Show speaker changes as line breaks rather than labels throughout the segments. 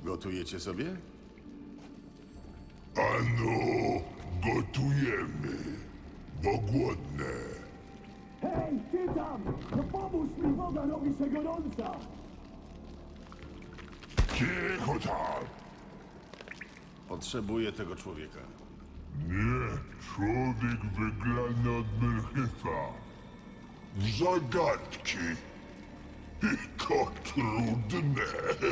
Gotujecie sobie?
Ano, gotujemy, bo głodne.
Hej, ty tam! No pomóż mi, woda robi się gorąca!
Cicho tam!
Potrzebuję tego człowieka.
Nie, człowiek wygrany od Melchifa. W zagadki. I to trudne.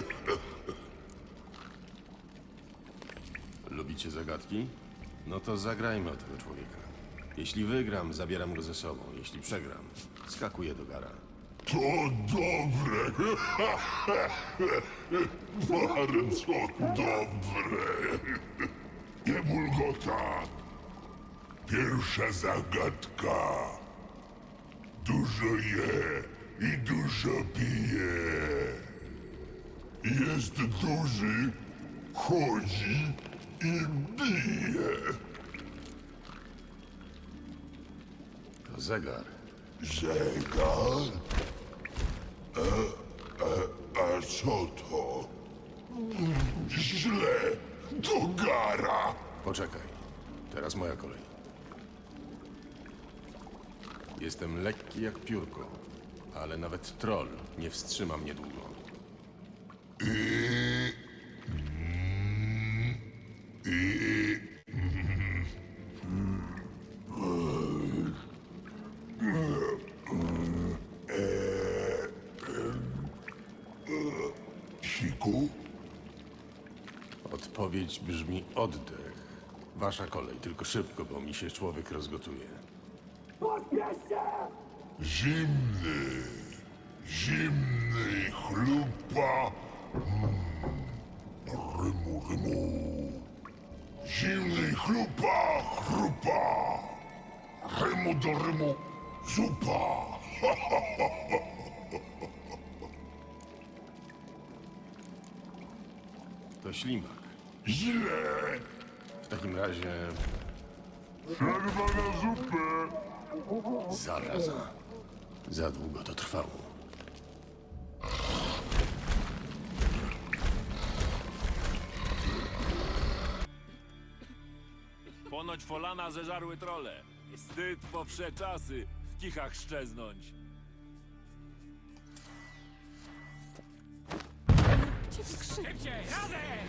Lubicie zagadki? No to zagrajmy o tego człowieka. Jeśli wygram, zabieram go ze sobą. Jeśli przegram, skakuję do gara.
To dobre. Bardzo dobre. Nie bulgota. Pierwsza zagadka. Dużo je i dużo pije. Jest duży, chodzi i bije.
To zegar.
Zegar? A co to? Źle, do gara.
Poczekaj. Teraz moja kolej. Jestem lekki jak piórko, ale nawet troll nie wstrzyma mnie długo.
Siku?
Odpowiedź brzmi oddech. Wasza kolej, tylko szybko, bo mi się człowiek rozgotuje.
Pośpiesz się!
Zimny, zimny i chlupa. Rymu, rymu. Zimny i chlupa, chrupa. Rymu do rymu, zupa.
To ślimak.
Źle.
W takim razie
Przerwa na zupę.
zaraza. Za długo to trwało.
Ponoć Folana zeżarły trole. Wstyd po wsze czasy w kichach szczeznąć.
Ciebie krzywdę.
Szybciej, razem!